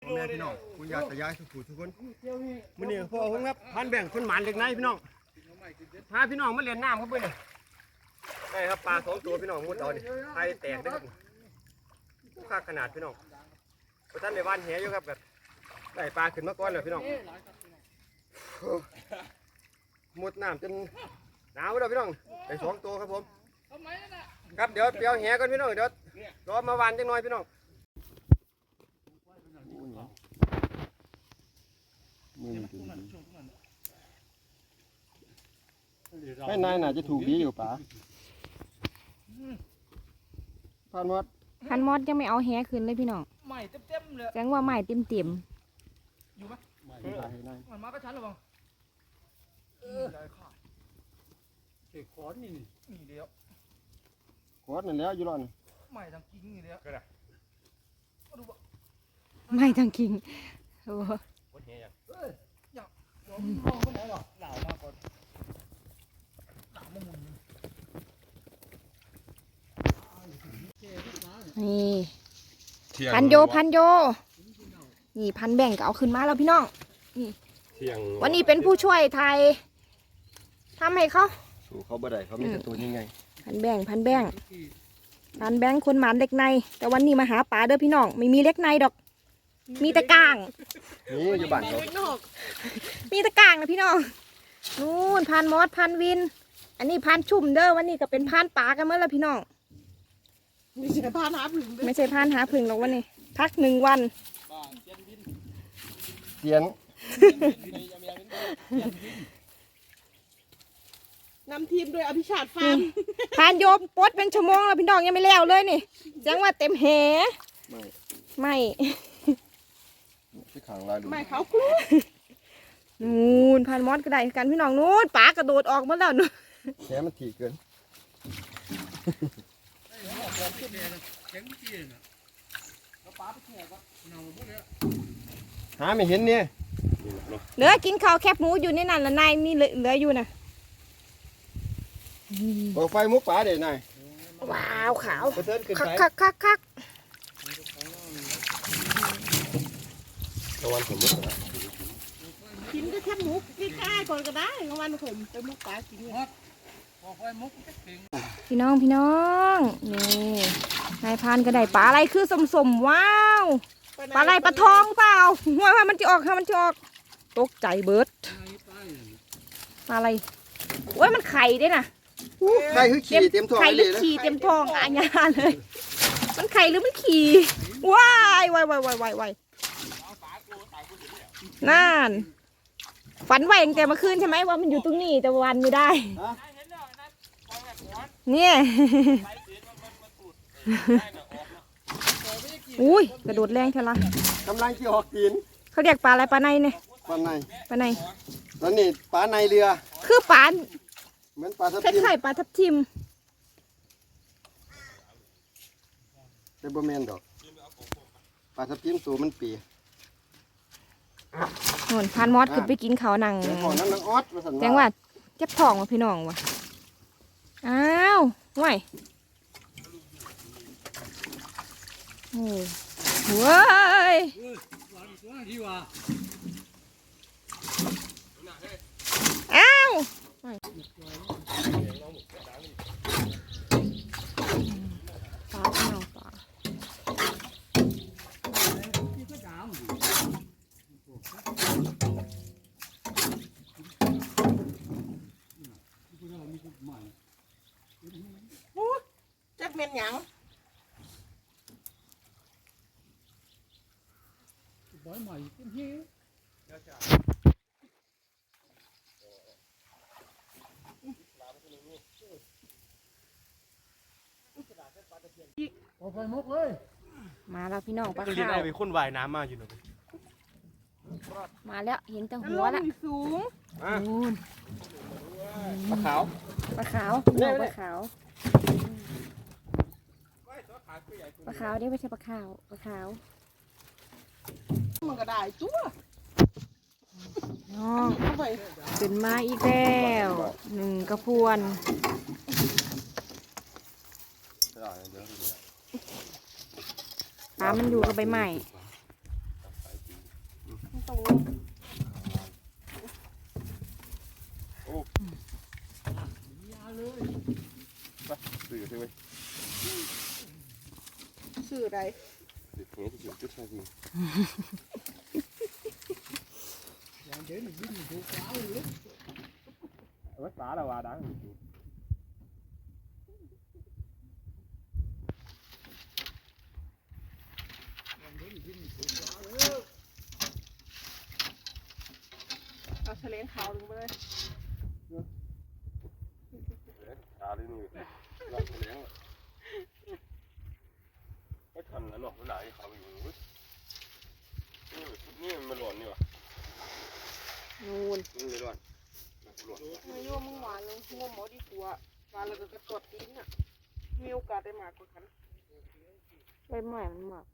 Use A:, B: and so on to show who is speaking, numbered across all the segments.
A: พ่อแม่พี่น้องคุณยายตายายทุกผู้ทุกคนมื้อนี้พ่อผมครับพันแบ่งคนหมานเล็กน้อยพี่น้องพาพี่น้องมาเล่นน้ำครับเพื่อนได้ครับปลา2 ตัวพี่น้องมุดเอาดิไข่แตกได้ครับค่าขนาดพี่น้องพอท่านในบ้านแหอยู่ครับแบบได้ปลาขึ้นมาก่อนเลยพี่น้องมุดน้ำจนหนาวแล้วพี่น้องได้2 ตัวครับผมครับเดี๋ยวเปียวแหก่อนพี่น้องเดี๋ยวรอมาวานจังหน่อยพี่น้องไม่นายน่าจะถูกดีอยู่ป๋าพันมดยังไม่เอาแหขึ้นเลยพี่น้อง
B: ใหม่เต็มเลย
A: แจ้
B: ง
A: ว่าใหม่เต็ม
B: อยู่ปะมันมาก็ชันหรือเปล่าได้ค่ะเด็กขอนนี่เดียว
A: ขอนนั่นแล้วอยู่รอน
B: ใหม่ทางกิ้งนี่เดียว
A: ไม่ทางกิ้งโอ้
B: โหอยากมองไปไหนหรอเหล่ามาก่อนเหล่ามาหมุน
A: นี่พันโยนี่พันแบ่งก็เอาขึ้นมาแล้วพี่น้องนี่วันนี้เป็นผู้ช่วยไทยทำให้เขา
C: สู้เขาบ่ได้เขามีแต่ตัวยังไง
A: พันแบ่งคนหมานเล็กในแต่วันนี้มาหาปลาเด้อพี่น้องไม่มีเล็กในดอกมีแต่กลาง
C: นี่อยู่บ้านเขา
A: มีแต่กลางนะพี่น้องนู่นพันมอสพันวินอันนี้พันชุ่มเด้อวันนี้ก็เป็นพันปลากันเมื่อละพี่น้อง
B: ไม่ใช่พานหาผึ่ง
A: ไม่ใช่พานหาผึ่งหรอกวันนี้พัก1 วัน
C: เตียน
B: นำทีมโดยอภิชาติฟาร์ม
A: พานโยมปดเป็นชั่วโมงแล้วพี่น้องยังไม่แล้วเลยนี่แจ้งว่าเต็มแหไม่
C: ที่ขังลายดู
B: ไม่เขากลัว
A: นู่นพันมอสก็ได้กันพี่น้องนู่นปลากระโดดออกมาแล้วนู่น
C: แค่มันถี่เกินหาไม่เห็นเนี่ย
A: เหลือกินข้าวแคบหมูอยู่ในนั้นละนายมีเหลืออยู่นะ
C: บอกไฟมุกป่าเดี๋ยวนาย
A: ว้าวขาวคัก
C: ตะวันผมมุกนะ
B: กินก็แคบหมูใกล้ๆก่อนก็ได้กลางวันผมไปมุกป่ากิน
A: พี่น้องนี่นายพานก็ได้ปลาอะไรคือสมว้าวปลาอะไรปลาทองเปล่าว่ามันจะออกตกใจเบิร์ดปลาอะไรโอ้ยมันไข่ด้วยนะ
C: ไข่คือขี่เต็มท้อง
A: ไข่หรือขี่เต็มท้องอาญาเลยมันไข่หรือมันขี่ว้ายนั่นฝันไว้ตั้งแต่เมื่อคืนใช่ไหมว่ามันอยู่ตรงนี้แต่วันไม่ได้เนี่ยอุ้ยกระโดดแรงเท่าไร
C: กำลังที่ออกกิน
A: เขาเรียกปลาอะไรปลาในเนี่ย
C: ปลาใน
A: แล้ว
C: นี่ปลาในเรือ
A: คือปลา
C: เหมือนปลาทับ
A: ทิมคล้ายๆปลาทับทิม
C: แต่บ่แม่นดอกปลาทับทิมตัวมันปี
A: โน่นพานมอสขึ้นไปกินเขาหนังแจ้งว่าเจ็บท้องว่ะพี่น้องว่ะอ้าวห่วยโอ้ว้ายอ้าวปลาพี่น้องปลา
B: จักเม็ดหยังใบใหม่เป็นเหี้ยเอาไฟมุกเลย
A: มาแล้วพี่น้องปลาขาว
C: ได้ไปค้นว่ายน้ำมาอยู่หน่อย
A: มาแล้วเห็นแต่หัวละ
B: สูง
C: ปลาขาว
A: ปลาขาวนี่ไม่ใช่ปลาขาว
B: มันก็ได้จั่ว
A: น้องขึ้นมาอีกแล้ว1 กระพวนปลามันอยู่กับใบไม้
D: ตรง
C: สื่อใช่ไหม
D: สื่ออะไร
C: สื่อเนี้ยที่อยู่จุดชาจี
B: อย่างเดี๋ยวนี่วิ่งดูฟ้าเลย
A: ปลาละว่าดัง
D: เอาเฉลงขาวลงไปเลย
C: ตาเลยนี่รักเลี้ยงก็ทันแล้วหรอกมันไหนเขาอยู่นี่มันหล่นนี่วะ
D: นูน
C: นี่เลยหล่นหล่น
D: ไม่รู้ว่ามึงหวานเลยงมหมอดีกว่าหวานแล้วก็กระตดดิ้นอ่ะมีโอกาสได้มากกว่ากันใบไม้มันมาก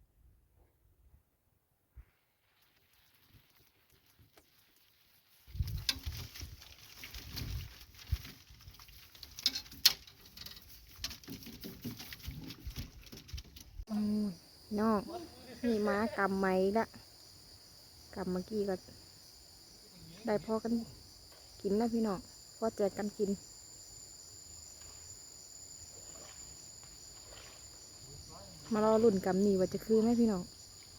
D: น้องนี่ม้ากำไม้ละกำเมื่อกี้ก็ได้พอกันกินนะพี่น้องพอแจกกันกินมารอลุ่นกำนี่ว่าจะคือไหมพี่น้อง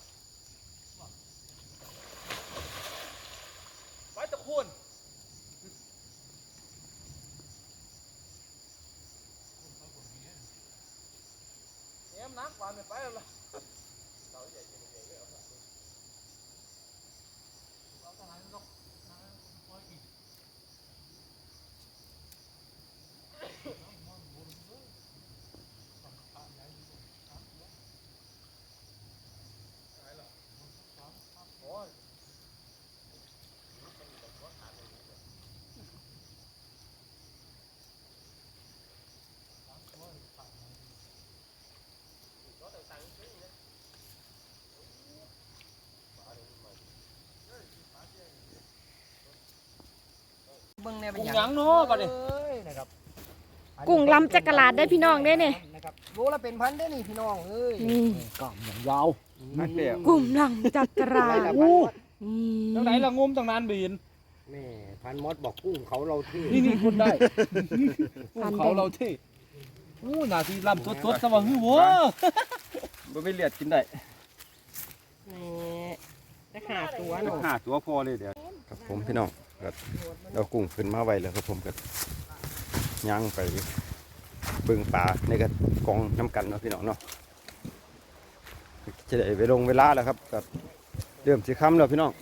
B: ไปตะคุณเนี่ยนักกว่าไม่ไปแล้ว
E: เบิ่งแน่เป็น
B: กุ้ง
E: หยัง
B: หยังเนาะบัดนี้
E: เอ้ยนะครับ
D: กุ้งลำจักรลาดได้พี่น้องได้เนี่ย
E: นะครับโลละเป็นพันได้อนี่พี่น้องเอ้ย
D: นี่
B: กล้ามอย่างยาว
C: นักเดี่ยว
D: กุ้งลำจักรลาด
B: โอ้
D: นี่
B: จังไหนละงมตั้งนานบีน
E: แม่พันมดบอกกุ้งเขาเราที่
B: นี่คนได้กุ้งเขาเราเท่โอ้หน้าที่ลำสดๆสว่างหื้อวัว
C: บ่ไม่เลียดกินได้
D: นี่จะหาตัวหนู
C: หาตัวพอเลยเดี๋ยวครับผมพี่น้องก็เรากุ้งขึ้นมาไว้แล้วครับผมก็ย่างไปเบิ่งปลาในกระกองน้ำกันเนาะพี่น้องเนาะจะได้ไปลงเวลาแล้วครับก็เริ่มสิค่ำแล้วพี่น้อง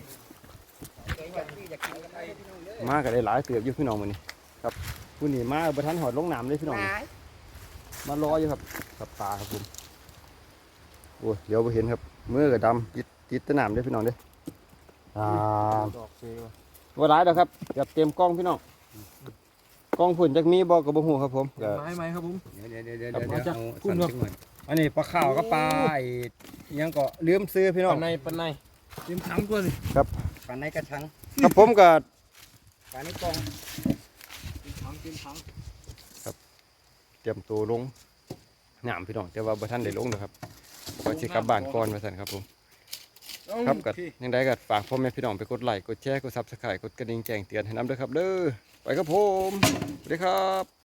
C: มาก็ได้หลายเติบอยู่พี่น้องมื้อนี้ครับผู้นี้มาบ่ทันหอดลงน้ำเลยพี่น้อง มารออยู่ครับกับปลาครับผมโอ้ยเดี๋ยวไปเห็นครับมือกับดำติดตะหนามเด้อพี่น้องเด้อว่าร้ายแล้วครับเกือบเต็มกล้องพี่น้องกล้องฝุ่นจากมีบอกกับบ่หูครับผมก็
B: ไม้ครับผม
C: เดี๋ยว
B: ครับมาจาก
C: เอา
B: คุณครับ
C: อันนี้ปลาข้าวก็ปลาไอ้ยังก็ลืมซื้อพี่น้อง
B: ปันในเตรียมถังก่อนสิ
E: ปลาในกระชัง
C: ครับผมก็
E: ปลาในกล่อง
B: เตรียมถัง
C: เตรียมตัวลงหนามพี่น้องแต่ว่าบ่ทันได้ลงนะครับว่าสิกลับบ้านก่อนว่าซั่นครับผม ครับก็ยังได้ก็ฝากพ่อแม่พี่น้องไปกดไลค์กดแชร์กด Subscribe กดกระดิ่งแจ้งเตือนให้นำด้วยครับเด้อไปครับผมสวัสดีครับ